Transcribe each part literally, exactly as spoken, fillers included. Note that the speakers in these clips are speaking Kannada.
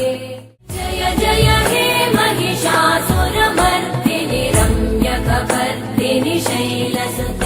जय जय हे महिषासुरमर्दिनि रम्यकपर्दिनि शैलसुते।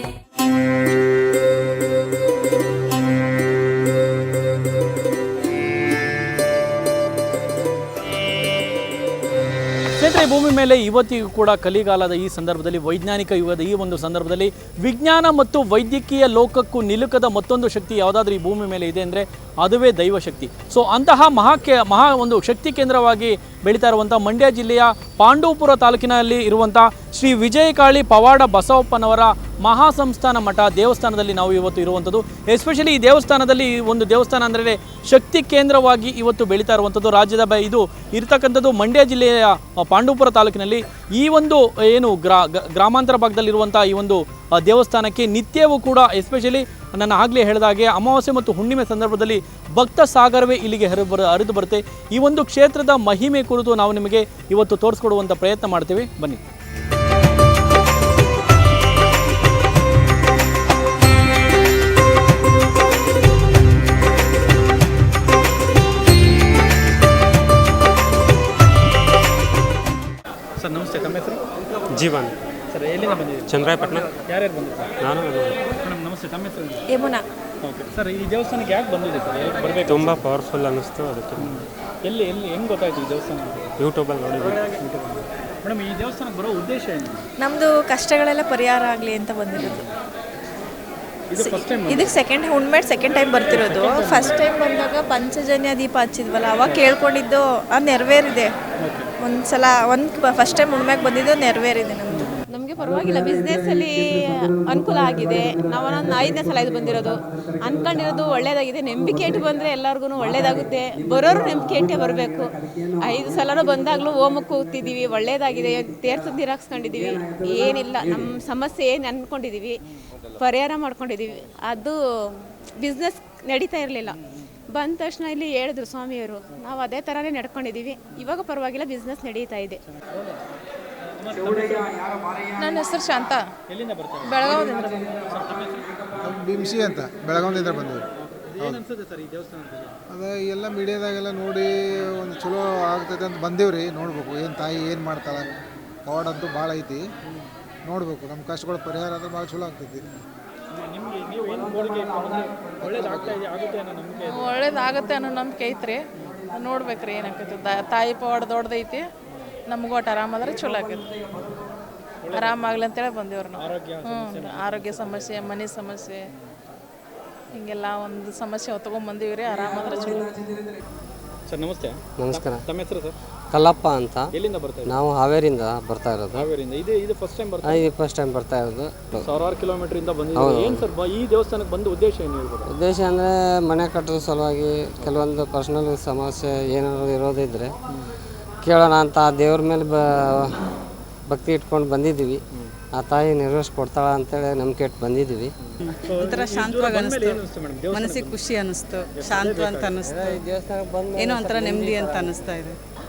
ಸ್ನೇಹಿತರೆ, ಭೂಮಿ ಮೇಲೆ ಇವತ್ತಿಗೂ ಕೂಡ ಕಲಿಗಾಲದ ಈ ಸಂದರ್ಭದಲ್ಲಿ, ವೈಜ್ಞಾನಿಕ ಯುಗದ ಈ ಒಂದು ಸಂದರ್ಭದಲ್ಲಿ ವಿಜ್ಞಾನ ಮತ್ತು ವೈದ್ಯಕೀಯ ಲೋಕಕ್ಕೂ ನಿಲುಕದ ಮತ್ತೊಂದು ಶಕ್ತಿ ಯಾವುದಾದ್ರೂ ಈ ಭೂಮಿ ಮೇಲೆ ಇದೆ ಅಂದರೆ ಅದುವೇ ದೈವಶಕ್ತಿ. ಸೊ ಅಂತಹ ಮಹಾಕೆ ಮಹಾ ಒಂದು ಶಕ್ತಿ ಕೇಂದ್ರವಾಗಿ ಬೆಳೀತಾ ಇರುವಂಥ ಮಂಡ್ಯ ಜಿಲ್ಲೆಯ ಪಾಂಡವಪುರ ತಾಲೂಕಿನಲ್ಲಿ ಇರುವಂಥ ಶ್ರೀ ವಿಜಯಕಾಳಿ ಪವಾಡ ಬಸವಪ್ಪನವರ ಮಹಾಸಂಸ್ಥಾನ ಮಠ ದೇವಸ್ಥಾನದಲ್ಲಿ ನಾವು ಇವತ್ತು ಇರುವಂಥದ್ದು. ಎಸ್ಪೆಷಲಿ ಈ ದೇವಸ್ಥಾನದಲ್ಲಿ ಒಂದು ದೇವಸ್ಥಾನ ಅಂದರೆ ಶಕ್ತಿ ಕೇಂದ್ರವಾಗಿ ಇವತ್ತು ಬೆಳೀತಾ ಇರುವಂಥದ್ದು. ರಾಜ್ಯದ ಬ ಇದು ಇರ್ತಕ್ಕಂಥದ್ದು ಮಂಡ್ಯ ಜಿಲ್ಲೆಯ ಪಾಂಡವಪುರ ತಾಲೂಕಿನಲ್ಲಿ. ಈ ಒಂದು ಏನು ಗ್ರಾ ಗ್ರಾಮಾಂತರ ಭಾಗದಲ್ಲಿರುವಂಥ ಈ ಒಂದು ದೇವಸ್ಥಾನಕ್ಕೆ ನಿತ್ಯವೂ ಕೂಡ, ಎಸ್ಪೆಷಲಿ ನನ್ನ ಆಗಲೇ ಹೇಳಿದಾಗೆ ಅಮಾವಾಸ್ಯೆ ಮತ್ತು ಹುಣ್ಣಿಮೆ ಸಂದರ್ಭದಲ್ಲಿ ಭಕ್ತ ಸಾಗರವೇ ಇಲ್ಲಿಗೆ ಹರಿದು ಬರ ಹರಿದು ಬರುತ್ತೆ. ಈ ಒಂದು ಕ್ಷೇತ್ರದ ಮಹಿಮೆ ಕುರಿತು ನಾವು ನಿಮಗೆ ಇವತ್ತು ತೋರಿಸ್ಕೊಡುವಂಥ ಪ್ರಯತ್ನ ಮಾಡ್ತೀವಿ, ಬನ್ನಿ. ಸರ್ ನಮಸ್ತೆ, ತಮ್ಮ ಹೆಸರು? ಜೀವನ್ ಸರ್, ಎಲ್ಲಿಂದ ಬಂದಿದ್ದೀರಿ? ಚಂದ್ರಾಯಪಟ್ಟಣ. ಯಾರ್ಯಾರು ಬಂದಿದ್ದಾರೆ? ನಾನು ಮೇಡಮ್ ನಮಸ್ತೆ, ತಮ್ಮ ಹೆಸರು? ಯಮುನಾ. ಓಕೆ ಸರ್, ಈ ದೇವಸ್ಥಾನಕ್ಕೆ ಯಾಕೆ ಬಂದಿದೆ ಸರ್? ಯಾಕೆ ಬರಬೇಕು? ತುಂಬ ಪವರ್ಫುಲ್ ಅನ್ನಿಸ್ತು, ಅದಕ್ಕೆ. ಎಲ್ಲಿ ಎಲ್ಲಿ ಹೆಂಗೆ ಗೊತ್ತಾಯ್ತು ಈ ದೇವಸ್ಥಾನ? ಯೂಟ್ಯೂಬಲ್ಲಿ ನೋಡಿದ್ವಿ. ಮೇಡಮ್, ಈ ದೇವಸ್ಥಾನಕ್ಕೆ ಬರೋ ಉದ್ದೇಶ ಏನು? ನಮ್ಮದು ಕಷ್ಟಗಳೆಲ್ಲ ಪರಿಹಾರ ಆಗಲಿ ಅಂತ ಬಂದಿರೋದು. ಇದು ಫಸ್ಟ್ ಟೈಮ್? ಇದಕ್ಕೆ ಸೆಕೆಂಡ್ ಹುಣ್ಮೇಡ್ ಸೆಕೆಂಡ್ ಟೈಮ್ ಬರ್ತಿರೋದು. ಫಸ್ಟ್ ಟೈಮ್ ಬಂದಾಗ ಪಂಚಜನ್ಯ ದೀಪ ಹಚ್ಚಿದ್ವಲ್ಲ, ಅವಾಗ ಕೇಳ್ಕೊಂಡಿದ್ದು ಅದು ನೆರವೇರಿದೆ. ಒಂದು ಸಲ ಒಂದು ಫಸ್ಟ್ ಟೈಮ್ ಹುಣ್ಮ್ಯಾಗ ಬಂದಿದ್ದು ನೆರವೇರಿದೆ ನಮ್ಮದು. ನಮಗೆ ಪರವಾಗಿಲ್ಲ, ಬಿಸ್ನೆಸ್ಸಲ್ಲಿ ಅನುಕೂಲ ಆಗಿದೆ. ನಾವು ಒಂದು ಐದನೇ ಸಲ ಇದು ಬಂದಿರೋದು. ಅಂದ್ಕೊಂಡಿರೋದು ಒಳ್ಳೇದಾಗಿದೆ. ನಂಬಿಕೆ ಇಟ್ಟು ಬಂದರೆ ಎಲ್ಲರಿಗೂ ಒಳ್ಳೇದಾಗುತ್ತೆ. ಬರೋರು ನಂಬಿಕೆ ಇಟ್ಟೇ ಬರಬೇಕು. ಐದು ಸಲನೂ ಬಂದಾಗಲೂ ಹೋಮಕ್ಕೆ ಹೋಗ್ತಿದ್ದೀವಿ, ಒಳ್ಳೇದಾಗಿದೆ. ತೀರ್ಥ ನೀರು ಹಾಕ್ಸ್ಕೊಂಡಿದ್ದೀವಿ, ಏನಿಲ್ಲ. ನಮ್ಮ ಸಮಸ್ಯೆ ಏನು ಅಂದ್ಕೊಂಡಿದ್ದೀವಿ ಪರಿಹಾರ ಮಾಡ್ಕೊಂಡಿದ್ದೀವಿ. ಅದು ಬಿಸ್ನೆಸ್ ನಡೀತಾ ಇರಲಿಲ್ಲ. ಬಂದ ತಕ್ಷಣ ಇಲ್ಲಿ ಹೇಳಿದ್ರು ಸ್ವಾಮಿಯವರು, ನಾವು ಅದೇ ಥರನೇ ನಡ್ಕೊಂಡಿದ್ದೀವಿ. ಇವಾಗ ಪರವಾಗಿಲ್ಲ, ಬಿಸ್ನೆಸ್ ನಡೀತಾ ಇದೆ. ನನ್ನ ಹೆಸರು ಶಾಂತ. ಎಲ್ಲಿಂದ ಬರ್ತಾರೆ? ಬೆಳಗಾವಿಯಿಂದ. ಬಿಮ್ಸಿ ಅಂತ ಬೆಳಗಾವಿಯಿಂದ ಬಂದಿವಿ. ಏನು ಅನ್ಸುತ್ತೆ ಸರ್ ಈ ದೇವಸ್ಥಾನದಲ್ಲಿ? ಅದೇ ಎಲ್ಲ ಮೀಡಿಯಾದಾಗೆಲ್ಲ ನೋಡಿ ಒಂದು ಚಲೋ ಆಗ್ತೈತೆ ಅಂತ ಬಂದೇವ್ರಿ. ನೋಡ್ಬೇಕು ಏನು ತಾಯಿ ಏನು ಮಾಡ್ತಾಳೆ. ಪವಾಡ ಅಂತೂ ಭಾಳ ಐತಿ, ನೋಡ್ಬೇಕು. ನಮ್ಮ ಕಷ್ಟಗಳು ಪರಿಹಾರ ಆದರೆ ಭಾಳ ಚಲೋ ಆಗ್ತೈತಿ. ನಿಮಗೆ ನೀವು ಏನು ಗೋಳಿಗೆ ಒಳ್ಳೇದಾಗ್ತಾ ಇದೆ ಆಗುತ್ತೆ ಅನ್ನೋ ನಂಬಿಕೆ? ಒಳ್ಳೇದಾಗತ್ತೆ ಅನ್ನೋ ನಂಬಿಕೆ ಐತ್ರಿ. ನೋಡ್ಬೇಕ್ರಿ ಏನಾಗ್ತೈತಿ. ತಾಯಿ ಪವಾಡ ದೊಡ್ಡದೈತಿ. ನಮಗೂ ಒಟ್ಟು ಆರಾಮಾದ್ರೆ ಚಲೋ ಆಗೈತಿ. ಆರಾಮಾಗ್ಲಿ ಅಂತೇಳಿ ಬಂದೇವ್ರಿ ನಾವು. ಹ್ಞೂ, ಆರೋಗ್ಯ ಸಮಸ್ಯೆ, ಮನೆ ಸಮಸ್ಯೆ, ಹಿಂಗೆಲ್ಲ ಒಂದು ಸಮಸ್ಯೆ ಹೊತ್ಕೊಂಡ್ ಬಂದೀವಿ ರೀ. ಆರಾಮಾದ್ರೆ ಚಲೋ. ಸರ್ ನಮಸ್ತೆ. ನಮಸ್ಕಾರ. ತಮ್ಮ ಹೆಸರು ಸರ್? ಕಲ್ಲಪ್ಪ ಅಂತ. ಎಲ್ಲಿಂದ ಬರ್ತಾ ಇದ್ದೀವಿ? ನಾವು ಹಾವೇರಿಯಿಂದ ಬರ್ತಾ ಇರೋದು. ಹಾವೇರಿಯಿಂದ. ಇದು ಇದು ಫಸ್ಟ್ ಟೈಮ್ ಬರ್ತಾ? ಇದು ಫಸ್ಟ್ ಟೈಮ್ ಬರ್ತಾ ಇರೋದು. ಸಾವಿರಾರು ಕಿಲೋಮೀಟರ್ ಇಂದ ಬಂದಿದ್ದೀವಿ. ಏನು ಸರ್ ಈ ದೇವಸ್ಥಾನಕ್ಕೆ ಬಂದ ಉದ್ದೇಶ ಏನು ಹೇಳ್ಬೋದು? ಉದ್ದೇಶ ಅಂದರೆ ಮನೆ ಕಟ್ಟೋದ್ರ ಸಲುವಾಗಿ ಕೆಲವೊಂದು ಪರ್ಸ್ನಲ್ ಸಮಸ್ಯೆ ಏನಾದ್ರು ಇರೋದಿದ್ರೆ ಕೇಳೋಣ ಅಂತ ದೇವ್ರ ಮೇಲೆ ಬ ಭಕ್ತಿ ಇಟ್ಕೊಂಡು ಬಂದಿದ್ದೀವಿ. ಆ ತಾಯಿ ನೆರವೇರಿಸ್ಕೊಡ್ತಾಳ ಅಂತೇಳಿ ನಂಬಿಕೆ ಇಟ್ಟು ಬಂದಿದ್ದೀವಿ. ಒಂಥರ ಶಾಂತವಾಗಿ ಅನಿಸ್ತು, ಮನಸ್ಸಿಗೆ ಖುಷಿ ಅನ್ನಿಸ್ತು, ಶಾಂತ ಅಂತ ಅನ್ನಿಸ್ತು. ಏನೋ ಒಂಥರ ನೆಮ್ಮದಿ ಅಂತ ಅನ್ನಿಸ್ತಾ ಇದೆ.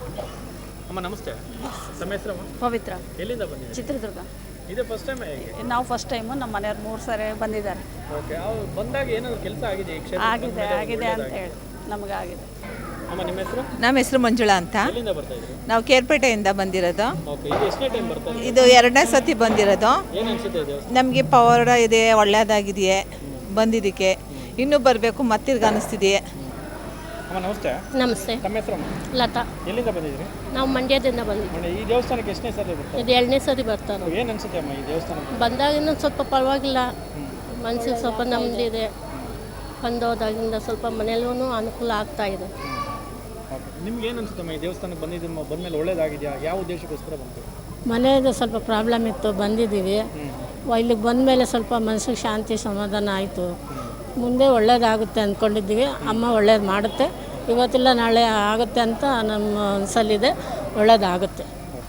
ಅಮ್ಮ ನಮಸ್ತೆ, ನಮ್ಮ ಹೆಸರು? ಪವಿತ್ರ. ಎಲ್ಲಿಂದ ಬಂದಿದ್ದೀವಿ? ಚಿತ್ರದುರ್ಗ. ಇದೇ ಫಸ್ಟ್ ಟೈಮ್? ನಾವು ಫಸ್ಟ್ ಟೈಮು, ನಮ್ಮ ಮನೆಯವ್ರು ಮೂರು ಸಾರಿ ಬಂದಿದ್ದಾರೆ. ಓಕೆ, ಅವ್ರು ಬಂದಾಗ ಏನಾದ್ರು ಕೆಲಸ ಆಗಿದೆ ಈ ಕ್ಷೇತ್ರ? ಆಗಿದೆ ಆಗಿದೆ ಅಂತ ಹೇಳಿ ನಮಗೆ ಆಗಿದೆ. ಅಮ್ಮ ನಿಮ್ಮ ಹೆಸರು? ನಮ್ಮ ಹೆಸರು ಮಂಜುಳಾ ಅಂತ. ಎಲ್ಲಿಂದ ಬರ್ತಾ ಇದ್ದೀರಿ? ನಾವು ಕೇರ್ಪೇಟೆಯಿಂದ ಬಂದಿರೋದು. ಓಕೆ, ಇದು ಎಷ್ಟನೇ ಟೈಮ್ ಬರ್ತಾ ಇದ್ದೀರಿ? ಇದು ಎರಡನೇ ಸತಿ ಬಂದಿರೋದು. ಏನು ಅನ್ಸುತ್ತೆ ಇದು? ನಮಗೆ ಪವಾಡ ಇದೆ, ಒಳ್ಳೆಯದಾಗಿದೆಯೇ ಬಂದಿದ್ದಕ್ಕೆ. ಇನ್ನೂ ಬರಬೇಕು ಮತ್ತಿರ್ಗ ಅನಿಸ್ತಿದೆಯೇ. ಅಮ್ಮ ನಮಸ್ತೆ. ನಮಸ್ತೆ. ತಮ್ಮ ಹೆಸರು? ಲತಾ. ಎಲ್ಲಿಂದ ಬಂದಿದ್ದೀರಿ? ನಾವು ಮಂಡ್ಯದಿಂದ ಬಂದಿದ್ದೀವಿ. ಈ ದೇವಸ್ಥಾನಕ್ಕೆ ಎಷ್ಟನೇ ಸರಿ ಬರ್ತಾರೆ? ಇದು ಎರಡನೇ ಸರಿ ಬರ್ತಾರೆ. ಏನು ಅನ್ಸುತ್ತೆ ಅಮ್ಮ ಈ ದೇವಸ್ಥಾನ ಬಂದಾಗ ಇನ್ನೊಂದು ಸ್ವಲ್ಪ ಪರವಾಗಿಲ್ಲ, ಮನಸ್ಸಿಗೆ ಸ್ವಲ್ಪ ನೆಮ್ಮದಿ ಇದೆ. ಬಂದೋದಾಗಿಂದ ಸ್ವಲ್ಪ ಮನೆಯಲ್ಲೂ ಅನುಕೂಲ ಆಗ್ತಾ ಇದೆ. ನಿಮ್ಗೆ ಏನು ಅನ್ಸುತ್ತಮ್ಮ ಈ ದೇವಸ್ಥಾನಕ್ಕೆ ಬಂದಿದ್ದು ಬಂದಮೇಲೆ ಒಳ್ಳೇದಾಗಿದೆಯಾ? ಯಾವ ಉದ್ದೇಶಕ್ಕೋಸ್ಕರ ಬಂತು? ಮನೆಯದು ಸ್ವಲ್ಪ ಪ್ರಾಬ್ಲಮ್ ಇತ್ತು, ಬಂದಿದ್ದೀವಿ. ಇಲ್ಲಿಗೆ ಬಂದಮೇಲೆ ಸ್ವಲ್ಪ ಮನಸ್ಸಿಗೆ ಶಾಂತಿ ಸಮಾಧಾನ ಆಯಿತು. ಮುಂದೆ ಒಳ್ಳೇದಾಗುತ್ತೆ ಅಂದ್ಕೊಂಡಿದ್ದೀವಿ. ಅಮ್ಮ ಒಳ್ಳೇದು ಮಾಡುತ್ತೆ, ಇವತ್ತಿಲ್ಲ ನಾಳೆ ಆಗುತ್ತೆ ಅಂತ ನಮ್ಮ ಮನಸ್ಸಲ್ಲಿದೆ. ಒಳ್ಳೇದಾಗುತ್ತೆ.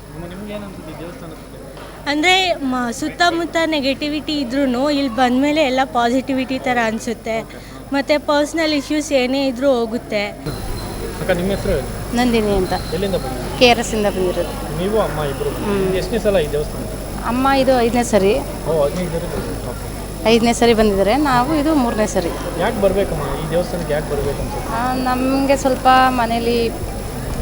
ಅಂದರೆ ಮ ಸುತ್ತಮುತ್ತ ನೆಗೆಟಿವಿಟಿ ಇದ್ರೂ ಇಲ್ಲಿ ಬಂದಮೇಲೆ ಎಲ್ಲ ಪಾಸಿಟಿವಿಟಿ ಥರ ಅನಿಸುತ್ತೆ. ಮತ್ತು ಪರ್ಸ್ನಲ್ ಇಶ್ಯೂಸ್ ಏನೇ ಇದ್ರೂ ಹೋಗುತ್ತೆ. ನಿಮ್ಮ ಹೆಸರು? ನಂದಿನಿ ಅಂತ. ಎಲ್ಲಿಂದ ಬಂದಿದ್ದೀರಿ? ಕೆ ಆರ್ ಎಸ್ ಇಂದ ಬಂದಿರೋದು. ನೀವು ಅಮ್ಮ ಇಬ್ಬರು ಎಷ್ಟನೇ ಸಲ ಈ ದೇವಸ್ಥಾನ? ಅಮ್ಮ ಇದು ಐದನೇ ಸರಿ. ಓ ಹದಿನೈದು ಐದನೇ ಸರಿ ಬಂದಿದ್ದಾರೆ. ನಾವು ಇದು ಮೂರನೇ ಸರಿ. ಯಾಕೆ ಬರಬೇಕಮ್ಮ ಈ ದೇವಸ್ಥಾನಕ್ಕೆ? ಯಾಕೆ ಬರಬೇಕು ಅನ್ಸುತ್ತೆ? ನಮಗೆ ಸ್ವಲ್ಪ ಮನೇಲಿ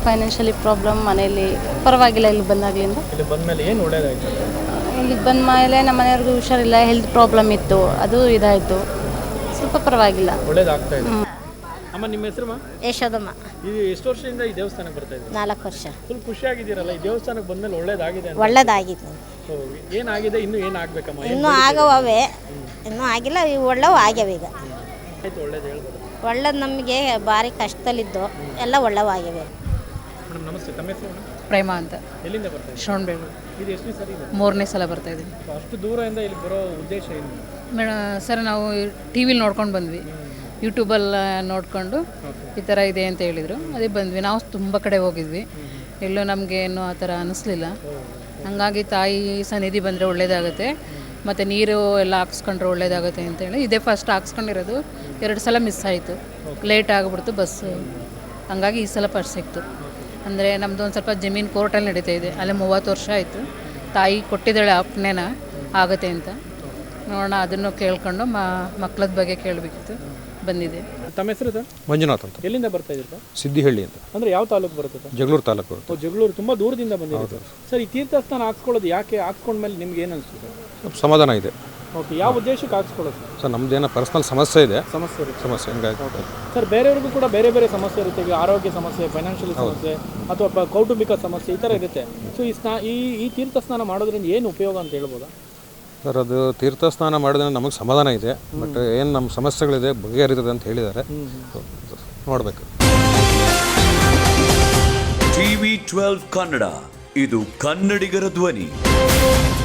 ಫೈನಾನ್ಷಿಯಲಿ ಪ್ರಾಬ್ಲಮ್ ಮನೆಯಲ್ಲಿ, ಪರವಾಗಿಲ್ಲ ಇಲ್ಲಿ ಬಂದಾಗಲಿಂದ. ಇಲ್ಲಿ ಬಂದಮೇಲೆ ಏನು ಒಳ್ಳೇದಾಯಿತು? ಇಲ್ಲಿಗೆ ಬಂದ ಮೇಲೆ ನಮ್ಮ ಮನೆಯವ್ರಿಗೂ ಹುಷಾರಿಲ್ಲ, ಹೆಲ್ತ್ ಪ್ರಾಬ್ಲಮ್ ಇತ್ತು, ಅದು ಇದಾಯಿತು, ಸ್ವಲ್ಪ ಪರವಾಗಿಲ್ಲ, ಒಳ್ಳೇದಾಗ್ತಾ ಇದೆ. ಅಮ್ಮ ನಿಮ್ಮ ಹೆಸರು? ಯಶೋದಮ್ಮ. ಇದು ಎಷ್ಟು ವರ್ಷದಿಂದ ಈ ದೇವಸ್ಥಾನಕ್ಕೆ ಬರ್ತಾ ಇದ್ದೀವಿ? ನಾಲ್ಕು ವರ್ಷ. ಫುಲ್ ಖುಷಿಯಾಗಿದ್ದೀರಲ್ಲ, ಈ ದೇವಸ್ಥಾನಕ್ಕೆ ಬಂದಮೇಲೆ ಒಳ್ಳೇದಾಗಿದೆ ಅಂತ? ಒಳ್ಳೇದಾಗಿತ್ತು. ಏನಾಗಿದೆ, ಇನ್ನೂ ಏನಾಗಬೇಕಮ್ಮ? ಇನ್ನೂ ಆಗವೇ, ಇನ್ನೂ ಆಗಿಲ್ಲ, ಇವು ಒಳ್ಳೆವು ಆಗ್ಯಾವ ಈಗ. ಆಯ್ತು, ಒಳ್ಳೇದು ಹೇಳ್ಬೋದು. ಒಳ್ಳೇದು, ನಮಗೆ ಭಾರಿ ಕಷ್ಟದಲ್ಲಿದ್ದು ಎಲ್ಲ ಒಳ್ಳೆವು ಆಗ್ಯಾವೆ. ಮೇಡಮ್ ನಮಸ್ತೆ, ತಮ್ಮ ಹೆಸರು? ಪ್ರೇಮ ಅಂತ. ಎಲ್ಲಿಂದ ಬರ್ತಾ ಇದ್ದೀವಿ? ಶ್ರವಣಬೆಳಗೊಳ. ಇದು ಎಷ್ಟು ಸರಿ ಇದೆ? ಮೂರನೇ ಸಲ ಬರ್ತಾ ಇದ್ದೀನಿ. ಅಷ್ಟು ದೂರದಿಂದ ಇಲ್ಲಿ ಬರೋ ಉದ್ದೇಶ ಏನು? ಮೇಡಮ್ ಸರ್, ನಾವು ಟಿ ವಿಲಿ ನೋಡ್ಕೊಂಡು ಬಂದ್ವಿ, ಯೂಟ್ಯೂಬಲ್ಲಿ ನೋಡಿಕೊಂಡು ಈ ಥರ ಇದೆ ಅಂತ ಹೇಳಿದರು, ಅದೇ ಬಂದ್ವಿ. ನಾವು ತುಂಬ ಕಡೆ ಹೋಗಿದ್ವಿ, ಎಲ್ಲೂ ನಮಗೆ ಏನೂ ಆ ಥರ ಅನ್ನಿಸ್ಲಿಲ್ಲ. ಹಾಗಾಗಿ ತಾಯಿ ಸನ್ನಿಧಿ ಬಂದರೆ ಒಳ್ಳೇದಾಗುತ್ತೆ, ಮತ್ತು ನೀರು ಎಲ್ಲ ಹಾಕ್ಸ್ಕೊಂಡ್ರೆ ಒಳ್ಳೇದಾಗುತ್ತೆ ಅಂತೇಳಿ ಇದೇ ಫಸ್ಟ್ ಹಾಕ್ಸ್ಕೊಂಡಿರೋದು. ಎರಡು ಸಲ ಮಿಸ್ ಆಯಿತು, ಲೇಟ್ ಆಗಿಬಿಡ್ತು ಬಸ್ಸು, ಹಂಗಾಗಿ ಈ ಸಲ ಫಸ್ಟ್ ಸಿಕ್ತು. ಅಂದರೆ ನಮ್ಮದು ಒಂದು ಸ್ವಲ್ಪ ಜಮೀನು ಕೋರ್ಟಲ್ಲಿ ನಡೀತಾ ಇದೆ, ಅಲ್ಲೇ ಮೂವತ್ತು ವರ್ಷ ಆಯಿತು. ತಾಯಿ ಕೊಟ್ಟಿದ್ದಾಳೆ ಅಪ್ಪಣೆನ ಆಗುತ್ತೆ ಅಂತ, ನೋಡೋಣ ಅದನ್ನು ಕೇಳ್ಕೊಂಡು ಮ ಮಕ್ಕಳದ ಬಗ್ಗೆ ಕೇಳಬೇಕಿತ್ತು, ಬಂದಿದೆ. ತಮ್ಮ ಹೆಸರು ಸರ್? ಮಂಜುನಾಥ್ ಅಂತ. ಎಲ್ಲಿಂದ ಬರ್ತಾ ಇದ್ದೀರಾ? ಸಿದ್ದಿಹಳ್ಳಿ ಅಂತ. ಅಂದರೆ ಯಾವ ತಾಲೂಕು ಬರುತ್ತೆ ಸರ್? ಜಗಳೂರು ತಾಲೂಕು. ಓ, ಜಗಳೂರು. ತುಂಬ ದೂರದಿಂದ ಬಂದಿದೆ ಸರ್. ಈ ತೀರ್ಥಸ್ಥಾನ ಹಾಕ್ಸ್ಕೊಳ್ಳೋದು ಯಾಕೆ? ಹಾಕ್ಸ್ಕೊಂಡ್ಮೇಲೆ ನಿಮ್ಗೆ ಏನು ಅನಿಸ್ತದೆ? ಸ್ವಲ್ಪ ಸಮಾಧಾನ ಇದೆ. ಓಕೆ, ಯಾವ ಉದ್ದೇಶಕ್ಕೆ ಹಾಕ್ಸ್ಕೊಳ್ಳೋದು ಸರ್? ಸರ್ ನಮ್ಮದೇನೋ ಪರ್ಸ್ನಲ್ ಸಮಸ್ಯೆ ಇದೆ. ಸಮಸ್ಯೆ ಇರುತ್ತೆ. ಸಮಸ್ಯೆ ಹಂಗಾಗಿ ಸರ್, ಬೇರೆಯವ್ರಿಗೂ ಕೂಡ ಬೇರೆ ಬೇರೆ ಸಮಸ್ಯೆ ಇರುತ್ತೆ. ಈಗ ಆರೋಗ್ಯ ಸಮಸ್ಯೆ, ಫೈನಾನ್ಷಿಯಲ್ ಸಮಸ್ಯೆ, ಅಥವಾ ಕೌಟುಂಬಿಕ ಸಮಸ್ಯೆ, ಈ ಥರ ಇರುತ್ತೆ. ಸೊ ಈ ಸ್ನಾ ಈ ಈ ತೀರ್ಥ ಸ್ನಾನ ಮಾಡೋದ್ರಿಂದ ಏನು ಉಪಯೋಗ ಅಂತ ಹೇಳ್ಬೋದಾ ಸರ್? ಅದು ತೀರ್ಥ ಸ್ನಾನ ಮಾಡಿದ್ರೆ ನಮಗೆ ಸಮಾಧಾನ ಇದೆ, ಬಟ್ ಏನು ನಮ್ಮ ಸಮಸ್ಯೆಗಳಿದೆ ಬಗೆಹರಿತದೆ ಅಂತ ಹೇಳಿದ್ದಾರೆ, ನೋಡಬೇಕು. ಟಿವಿ ಟ್ವೆಲ್ವ್ ಕನ್ನಡ, ಇದು ಕನ್ನಡಿಗರ ಧ್ವನಿ.